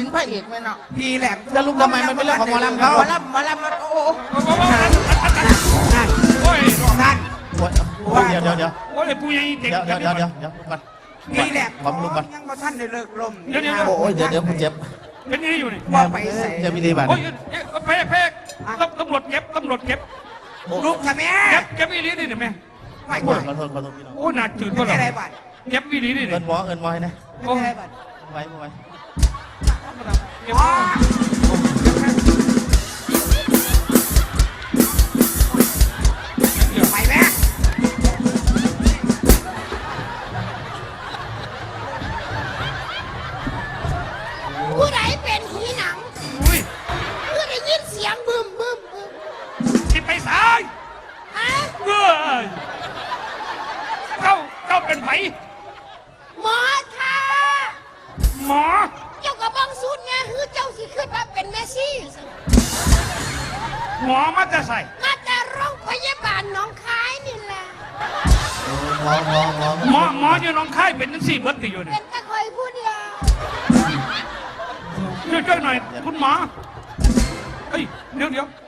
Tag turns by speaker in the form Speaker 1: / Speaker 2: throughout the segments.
Speaker 1: พระเอกไหมเนาะ
Speaker 2: พี่แหลม
Speaker 1: จะลุกทำไมมันเป็นเรื่องของหมอลำเขา
Speaker 2: หมอลำโอ้นั่น
Speaker 3: โอ้ย
Speaker 2: นั่น
Speaker 1: เดี๋ยว
Speaker 3: โอ้ยผู้ใหญ่เด็ก
Speaker 1: เดี๋ยวก่อน
Speaker 2: พี่แหลม
Speaker 1: ผมลุกก่อน
Speaker 2: ยังมาท่านได้เลิกลม
Speaker 1: โอ้ยเดี๋ยวผมเจ็บ
Speaker 3: เป็นยังไงอยู่นี่
Speaker 2: ว่าไปใส่
Speaker 1: เจ็บวิธีบัตร
Speaker 3: โอ้ยแพ้ตำรวจเก็บ
Speaker 2: ลูกทำไม
Speaker 3: เก็บอีลีนี่เห็นไหม
Speaker 2: ไม่
Speaker 1: ข
Speaker 2: ไหว
Speaker 1: อโทษพี่น้อง
Speaker 3: โอ้หนักจืด
Speaker 2: ไม่
Speaker 3: ก็หรอ
Speaker 2: ได้บัตร
Speaker 3: เก็บอีลีนี่
Speaker 1: เงินหมอให้นะ
Speaker 2: ไม่ได้บัตร
Speaker 1: ไว้
Speaker 2: อ๋อไปแม่
Speaker 4: ผู้ใดเป็นผีหนัง
Speaker 3: อุ้ย
Speaker 4: ผู้ได้ยินเสียงบึมบึมบึม
Speaker 3: สิไปสาย
Speaker 4: ฮะ
Speaker 3: เอ้ยเจ้าเป็นไผ
Speaker 4: หมอค่ะ
Speaker 3: หมอ
Speaker 4: เจ้ากับบังสูตรไงคือเจ้าสิขึ้นมาเป็นเมสซี่
Speaker 3: หมอมาจะใส่
Speaker 4: มาแต่โรงพยาบาลหน้องคายนี่แหละ
Speaker 3: หมออยู่น้องค่ายเป็นทั้งสี่เบิร์ตอยู่เนี่
Speaker 4: เป็
Speaker 3: ย
Speaker 4: นตะคอยผู้เดียว
Speaker 3: ช่วยหน่อยคุณหมอเฮ้ยเดี๋ยว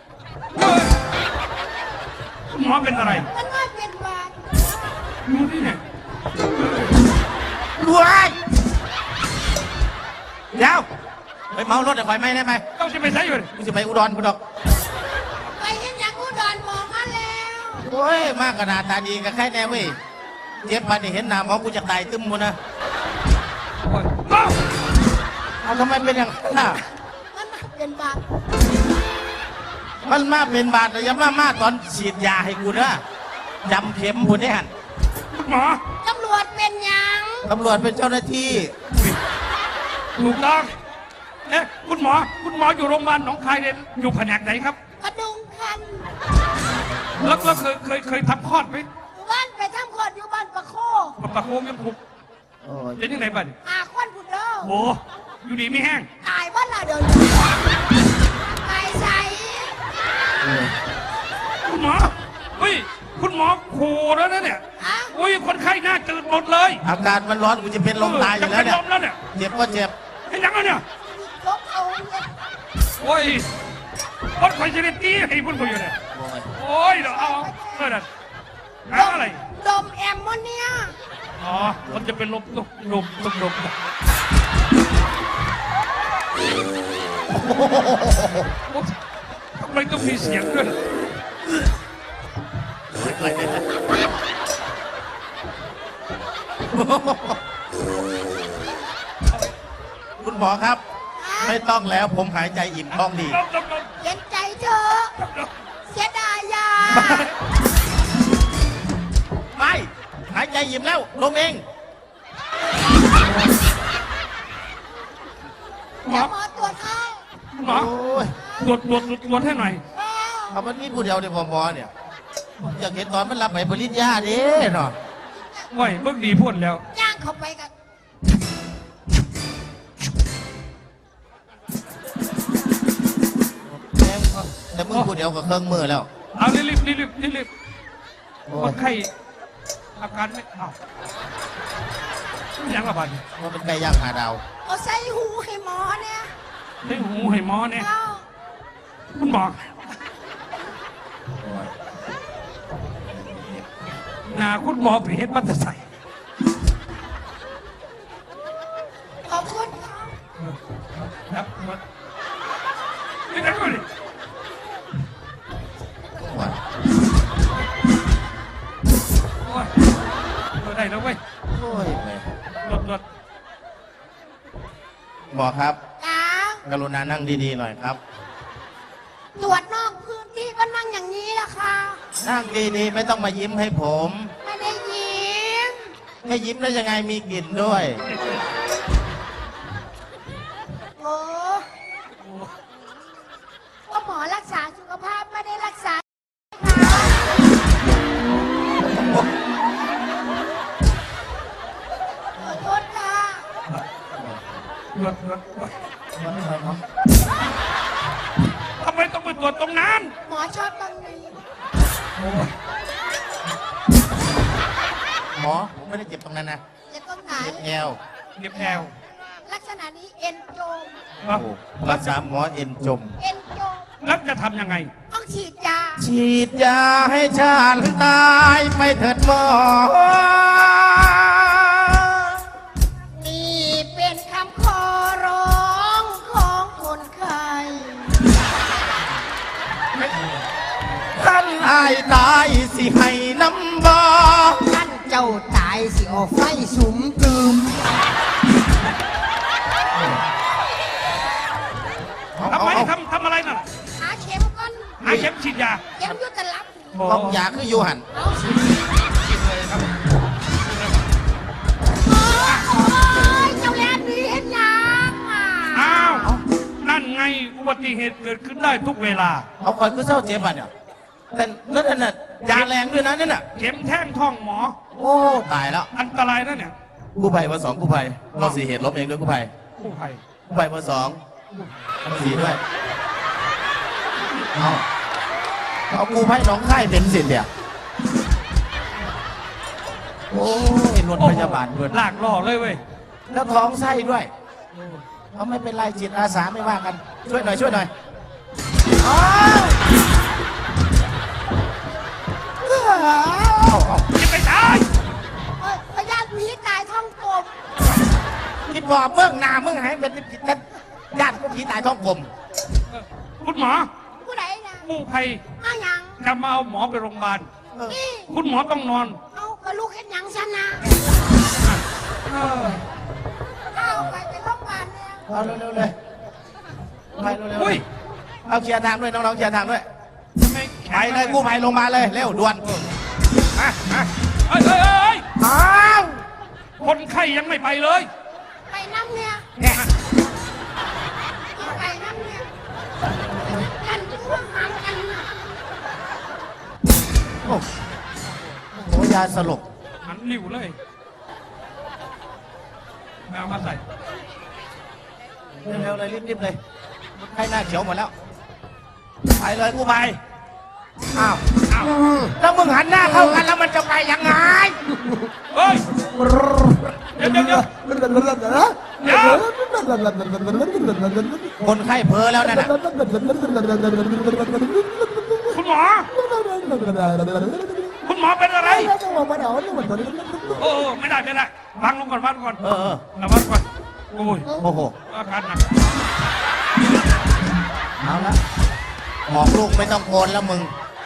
Speaker 3: คุณหมอเป็นอะไร
Speaker 4: มันว่าเป็นบาด
Speaker 3: ดูนี่เนี่ย
Speaker 1: รวยเดี๋ยวไปเมารถไฟไหมได้ไหม
Speaker 3: เจ้าสิไปใส่อยู่
Speaker 1: กูจะไปอุดรกูดอก
Speaker 4: ไปเห็นอย่างอุดรบอกมาแล้ว
Speaker 1: โอ้ยมากขนาดตาดีกับใครแน่เว้ยเจ็บมาเนี่ยเห็นหน้าหมอกูจะตายตึ้มหมดนะเอาทำไมเป็นอย่างนั้นน่ะ
Speaker 4: มันว่าเป็นบาด
Speaker 1: มันมาเป็นบาดแต่ยังมาตอนฉีดยาให้กูนะจำเข็มกูเนี่ย
Speaker 3: คุณหมอ
Speaker 4: ตำรวจเป็นหยัง
Speaker 1: ตำรวจเป็นเจ้าหน้าที่
Speaker 3: ถูกต้องเอ๊ะคุณหมออยู่โรงพยาบาลหนองคายเนี่ยอยู่แผนกไหนครับ
Speaker 4: กระดุงคัน
Speaker 3: แล้วเคยทำคลอดไหม
Speaker 4: บ้านไปทำคลอดอยู่บ้านประโค
Speaker 3: ปะโคงยังผูก
Speaker 1: โอ้ย
Speaker 3: เป็นยังไงบ้าง
Speaker 4: ควันผุดเด้อ
Speaker 3: โอ้อยู่ดีไม่แห้ง
Speaker 4: ตายบ้านละเดินไปใส่
Speaker 3: คุณหมอเฮ้ยคุณหมอโคแล้วนะเนี่ย
Speaker 4: ฮะ
Speaker 3: อุ้ยคนไข้หน้าจืดหมดเลย
Speaker 1: อากาศมันร้อนกูจะเป็นลมตายอยู่แล้วเนี่ย
Speaker 3: จะเป็นลมแล้วเนี่ย
Speaker 1: เจ็บก็เจ็บ
Speaker 3: เห็นยังแล้วเนี่ย
Speaker 4: ลบเอาเนี่ย
Speaker 3: โอ้ยคนไข้จะได้ตีให้พุ่นเขาอยู่เนี่ย
Speaker 1: โอ้ย
Speaker 3: โอ้ยเดี๋ยวเอาเออนั่นเอาอะไร
Speaker 4: ดมแอมโมเนีย
Speaker 3: อ๋อมันจะเป็นลมลมทำไมต้องมีเสียงด้วย
Speaker 1: คุณหมอครับ ไม่ต้องแล้วผมหายใจอิ่มท้องดี
Speaker 3: ลม
Speaker 4: เย็นใจเถอะเสียดายยา
Speaker 1: ไม่หายใจอิ่มแล้วลงเอง
Speaker 3: หม
Speaker 4: เดี๋
Speaker 3: อ
Speaker 4: ยวหมอตรวจให้
Speaker 3: หมอ
Speaker 1: โอ้ย
Speaker 3: ตรวจให้หน่อย
Speaker 1: เอามันมีผู้เดียวในหมอเนี่ยอยากเห็นตอนมันรับไปปริญญาเด้เนาะ
Speaker 3: โอ้ยเบิ่งดีพ่นแล้ว
Speaker 4: ย่างเข้าไปกัน
Speaker 1: แต่มึงผู้เดียวกับเครื่องมือแล้ว
Speaker 3: เอารีบ
Speaker 1: โอ้
Speaker 3: ค
Speaker 1: ย
Speaker 3: นไข้อาการไม่เอายังละบาด
Speaker 1: มันเป็นไก่ย่างหาดาว
Speaker 4: เอาใส่หูให้หมอเนี่ย
Speaker 3: ให้หูให้หมอเนี่ย
Speaker 4: เอา
Speaker 3: คุณหมอหนาคุณหมอไปเฮ็ดบัตรใส่
Speaker 4: ขอบคุณ
Speaker 3: ครับนี่กันด้วย
Speaker 1: ว่า
Speaker 3: โอ้ยได้แล้วเว้ย
Speaker 1: โอ้ยแม่
Speaker 3: รถ
Speaker 1: หมอครับ
Speaker 4: จ้าก
Speaker 1: รุณานั่งดีๆหน่อยครับ
Speaker 4: ตรวจนอกพื้นที่ก็นั่งอย่างนี้ล่ะค่ะ
Speaker 1: นั่งดีๆไม่ต้องมายิ้มให้ผม
Speaker 4: ไม่ได้ยิ้ม
Speaker 1: ไม่ยิ้มได้ยังไงมีกลิ่นด้วย
Speaker 4: โอ้ก็หมอรักษาสุขภาพไม่ได้รักษาขอโทษค่ะ
Speaker 3: รถทำไมต้องไปตรวจตรงนั้น
Speaker 4: หมอชอบบางนี้
Speaker 1: หมอผมไม่ได้เจ็บตรงนั้นนะ
Speaker 4: จะต้องไหน
Speaker 1: เจ็บแอว
Speaker 3: เรียบแอว
Speaker 4: ลักษณะนี้เอ็นโจม
Speaker 3: อ่ะ
Speaker 1: โอ้รักษาหมอเอ็นจม
Speaker 4: เอ็นโจ
Speaker 3: แล้วจะทำยังไง
Speaker 4: ต้องฉีดยา
Speaker 1: ฉีดยาให้ชาติตายไปเถิดหมอ
Speaker 4: นี่เป็นคำขอร้องของคนไข้
Speaker 1: ท่านอายตายสิให้น้ำบอ
Speaker 4: ท่านเจ้าตายสิเอาไฟสุมตืม
Speaker 3: ทำไมทำอะไรน่ะ
Speaker 4: หาเข็มก่อน
Speaker 3: หาเข็มฉีดยา
Speaker 4: เข็มอยุตลับ
Speaker 1: บอกยาคืออยู่หัน
Speaker 4: เอาสิโอ้ยเจ้าแลนดีเห็นยังอ่ะ
Speaker 3: อ้าว นั่นไงอุบัติเหตุเกิดขึ้นได้ทุกเวลา
Speaker 1: เอาคอยคือเศร้าเจ็บอ่ะเนี่ยแต่นั่นน่ะยาแรงด้วยนะนั่นน่ะ
Speaker 3: เข็มแท่งท้องหมอ
Speaker 1: โอ้ตายแล้ว
Speaker 3: อันตรายนะเนี่ย
Speaker 1: กู้ภัยมาสองกู้ภัยเราสี่เหตุลบเองด้วยกู้ภัย
Speaker 3: กู้ภัย
Speaker 1: กู้ภัยมาสองสี่ด้วยเอากู้ภัยน้องค่ายเป็นสิทธิ์เนี่ยโอ้ยรถพยาบาลด้วย
Speaker 3: ลากล่อเลยเว้ย
Speaker 1: แล้วท้องไส้ด้วยเอาไม่เป็นไรจิตอาสาไม่ว่ากัน ช่วยหน่อยช่วยหน่อยอ้าวเอา
Speaker 3: จะไปตาย
Speaker 4: เอ้ยพยาธิผีตายท้องกลม
Speaker 1: คิดว่าเบื้องหน้ามึงให้เป็นญาติผีตายท้องกลม
Speaker 3: คุณหมอ
Speaker 4: ผู้ใดนะ
Speaker 3: กู้ภัย
Speaker 4: เอาหยัง
Speaker 3: จะมาเอาหมอไปโรงพยาบาล
Speaker 4: นี่
Speaker 3: คุณหมอต้องนอน
Speaker 4: เอากระลูกเห็นหยังฉันนะ
Speaker 3: เออ
Speaker 4: เอาไปโรงพยาบาลเนี่ย
Speaker 1: เอาเร็วๆเลยไปเร็ว
Speaker 3: อุ้ย
Speaker 1: ๆเอาเคลียร์ทางด้วยน้องๆเคลียร์ทางด้วย
Speaker 3: ทำไมแข
Speaker 1: ไป
Speaker 3: น
Speaker 1: เลยกู้ภัยลงมาเลยเร็วด่วน
Speaker 3: อ่ะเอ้ยเอ้ยเอ้ย
Speaker 1: อ้าว
Speaker 3: คนไข้ยังไม่ไปเลย
Speaker 4: ไปน้ำเนี่ย
Speaker 1: เนี่ย
Speaker 4: ไปน้ำเนี่ยกันพวกมันกันนะ
Speaker 1: โอ้โหยาสลบ
Speaker 3: หันหลิวเลยแมวมาใส่
Speaker 1: เร็วๆเลยรีบๆเลยใครหน้าเขียวหมดแล้วไปเลยกู้ภัยอ้าว
Speaker 3: อ้าว
Speaker 1: แล้วมึงหันหน้าเข้ากันแล้วมันจะไปยังไง
Speaker 3: เฮ้ย เดี๋ยวเดี๋ยวเดี๋ยวเดี๋ยว
Speaker 1: คนไข้เพ้อแล้วนั่นน่ะ
Speaker 3: คุณหมอ คุณหมอเป็นอะไร โอ้ไม่ได้ไม่ได้วางลงก่อนวางลงก่อน
Speaker 1: เออ
Speaker 3: ระวังก่อน โอ้ย
Speaker 1: โอ้โห
Speaker 3: อาการหนัก
Speaker 1: เอาละบอกลูกไม่ต้องโกนแล้วมึง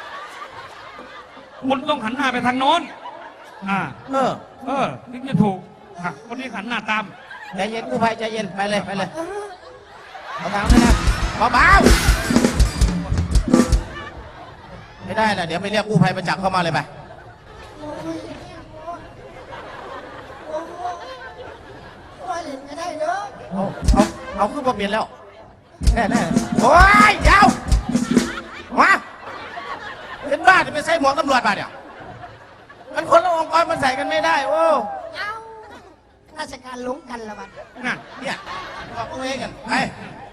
Speaker 3: คุณต้องหันหน้าไปทางโน้น
Speaker 1: เออ
Speaker 3: ถึงจะถูกอ่ะคนนี้หันหน้าตาม
Speaker 1: ใจเย็นกู้ภัยใจเย็นไปเลยไปเลยเอาทางด้วยนะเบาๆไม่ได้นะเดี๋ยวไปเรียกกู้ภัยมาจับเข้ามาเลยไป
Speaker 4: โอ้ยโอ้โหว่าเล่นก็ได้เด้อ
Speaker 1: เอาขึ้นมาเปลี่ยนแล้วแน่โอ้ยเดี๋ยวมาเป็นบ้าจะไปใส่หมวกตำรวจมาเนี่ยมันคนละองค์กรมันใส่กันไม่ได้โอ้
Speaker 4: เอาราชการหลงกันละบัด
Speaker 3: นั่น
Speaker 1: เนี่ยบอกตัวเองกันไป